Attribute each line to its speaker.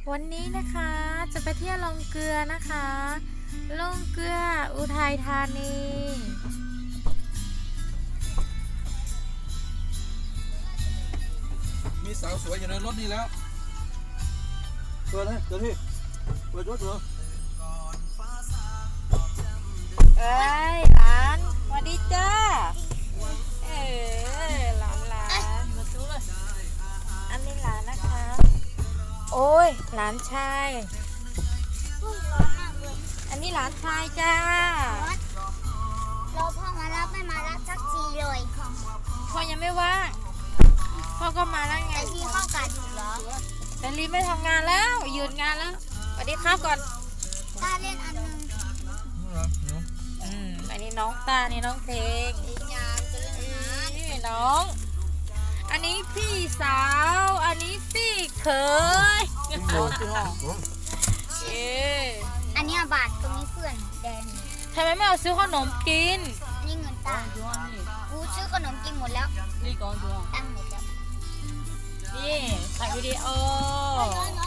Speaker 1: วันนี้นะคะจะไปเที่ยวลงเกลือนะคะลงเกลืออุทัยธานี
Speaker 2: มีสาวสวยอยู่ในรถนี่แล้วเปิดเลยเดี๋ยวพี่เปิดรถเหรอ
Speaker 1: เอ้ยหลานสวัสดีจ้าหลานมาซื้อเลยอันนี้หลานนะคะโอ้ยหลานชาย
Speaker 3: ร้อนมากเลย
Speaker 1: อันนี้หลานชายจ้า
Speaker 3: เราพ่อมารับไม่มารับสักทีเลย
Speaker 1: พ่อยังไม่ว่างพ่อก็มาแล้วไง
Speaker 3: แต่ที่เข้ากาดอยู่เหรอ
Speaker 1: แต่ลีไม่ทำงานแล้วหยุดงานแล้วสวัสดีครับก่อน
Speaker 3: ตาเล่นอันนึง
Speaker 1: อันนี้น้องตานี่น้องเพลง
Speaker 3: อีกยามจะเล่นน้ำ
Speaker 1: นี่น้อง อันนี้พี่สาว อันนี้พี่เขยเอ๊ะ
Speaker 3: อันนี้บาทตรงนี้เพื่อนแดง
Speaker 1: ทำไมไม่เอาซื้อขนมกิน
Speaker 3: นี่เงินตากูซื้อขนมกินหมดแล้ว
Speaker 1: นี่กองดวง
Speaker 3: ตั้งหมดแล้ว
Speaker 1: นี่ถ่ายวิดีโอ
Speaker 3: ร้อน